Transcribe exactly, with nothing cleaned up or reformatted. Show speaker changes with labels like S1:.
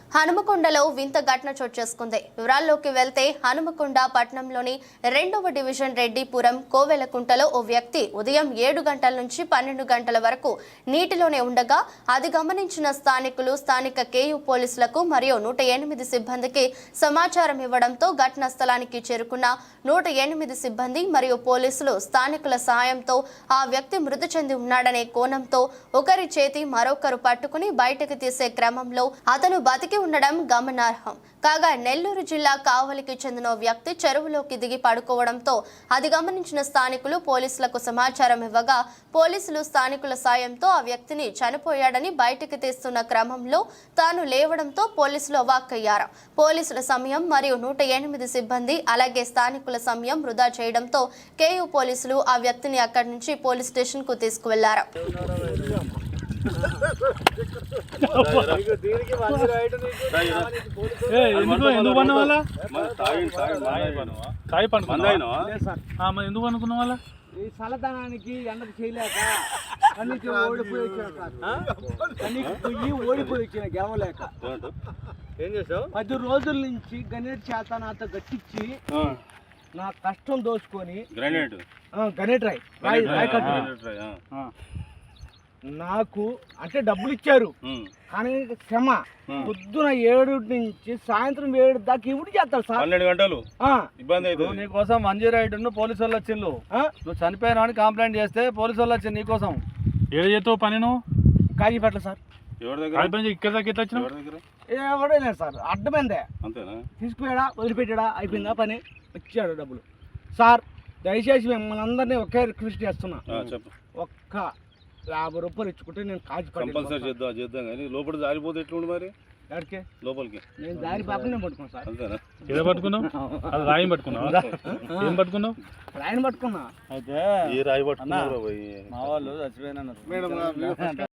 S1: హనుమకొండలో వింత ఘటన చోటు చేసుకుంది. వివరాల్లోకి వెళ్తే హనుమకొండ పట్టణంలోని రెండవ డివిజన్ రెడ్డిపురం కోవెలకుంటలో ఓ వ్యక్తి ఉదయం ఏడు గంటల నుంచి పన్నెండు గంటల వరకు నీటిలోనే ఉండగా అది గమనించిన స్థానికులు స్థానిక కేయూ పోలీసులకు మరియు నూట ఎనిమిది సిబ్బందికి సమాచారం ఇవ్వడంతో ఘటనా స్థలానికి చేరుకున్న నూట ఎనిమిది సిబ్బంది మరియు పోలీసులు స్థానికుల సహాయంతో ఆ వ్యక్తి మృతి చెంది ఉన్నాడనే కోణంతో ఒకరి చేతి మరొకరు పట్టుకుని బయటకు తీసే క్రమంలో అతను బతికి ఉండడం గమనార్హం. కాగా నెల్లూరు జిల్లా కావలికి చెందిన వ్యక్తి చెరువులోకి దిగి పడుకోవడంతో అది గమనించిన స్థానికులు పోలీసులకు సమాచారం ఇవ్వగా పోలీసులు స్థానికుల సాయంతో ఆ వ్యక్తిని చనిపోయాడని బయటికి తీస్తున్న క్రమంలో తాను లేవడంతో పోలీసులు అవాక్కయ్యారు. పోలీసుల సమయం మరియు నూట ఎనిమిది సిబ్బంది అలాగే స్థానికుల సమయం వృధా చేయడంతో కేయూ పోలీసులు ఆ వ్యక్తిని అక్కడి నుంచి పోలీస్ స్టేషన్ కు తీసుకువెళ్లారు.
S2: ఎందుకు అనుకున్న వాళ్ళ
S3: ఈ చల్లదనానికి ఎండకు చేయలేక కన్నీకి ఓడిపోయి వచ్చిన కన్నీకి పొయ్యి ఓడిపోయి వచ్చిన గెలవలేక
S2: ఏం చేసావు?
S3: పది రోజుల నుంచి గణేట్ చేత నాతో గట్టించి నా కష్టం దోచుకొని
S2: గ్రానైట్
S3: గణేట్ రాయ్ రాయ్ రాయ్ కట్టు నాకు అంటే డబ్బులు ఇచ్చారు కానీ క్షమ పొద్దున ఏడు నుంచి సాయంత్రం ఏడు దాకా ఇవి చేస్తారు సార్.
S2: పన్నెండు గంటలు ఇబ్బంది అయితే నీకోసం మంజీ రైడ్ పోలీసు వాళ్ళు వచ్చిండు. నువ్వు చనిపోయినా అని కంప్లైంట్ చేస్తే పోలీసు వాళ్ళు వచ్చింది నీకోసం. ఏడు చేస్తావు పని నువ్వు
S3: కాజీపేటలో సార్.
S2: ఎవరి దగ్గర ఇక్కడ దాకా ఎట్లా వచ్చినావు?
S3: ఎవడే లేదు సార్, అడ్డమైందే.
S2: అంతేనా?
S3: తీసుకుపోయాడా వదిలిపెట్టాడా అయిపోయిందా పని, వచ్చాడు డబ్బులు. సార్ దయచేసి మిమ్మల్ని అందరినీ ఒకే రిక్వెస్ట్ చేస్తున్నా, ఒక్క యాభై రూపాయలు ఇచ్చుకుంటే నేను కాజు
S2: కంపల్సరీ చేద్దాం చేద్దాం కానీ లోపల జారిపోతే ఎట్లుండి మరి
S3: ఎక్కడికి
S2: లోపలికి
S3: నేను దారి పాపని నేను పట్టుకున్నాను సార్.
S2: అంతేనా? ఏదో పట్టుకున్నావు? అది రాయి పట్టుకున్నావు? ఏం పట్టుకున్నావు?
S3: రాయిని పట్టుకున్నా.
S2: అయితే ఈ రాయి పట్టుకున్నావు మా వాళ్ళు చచ్చిపోయినా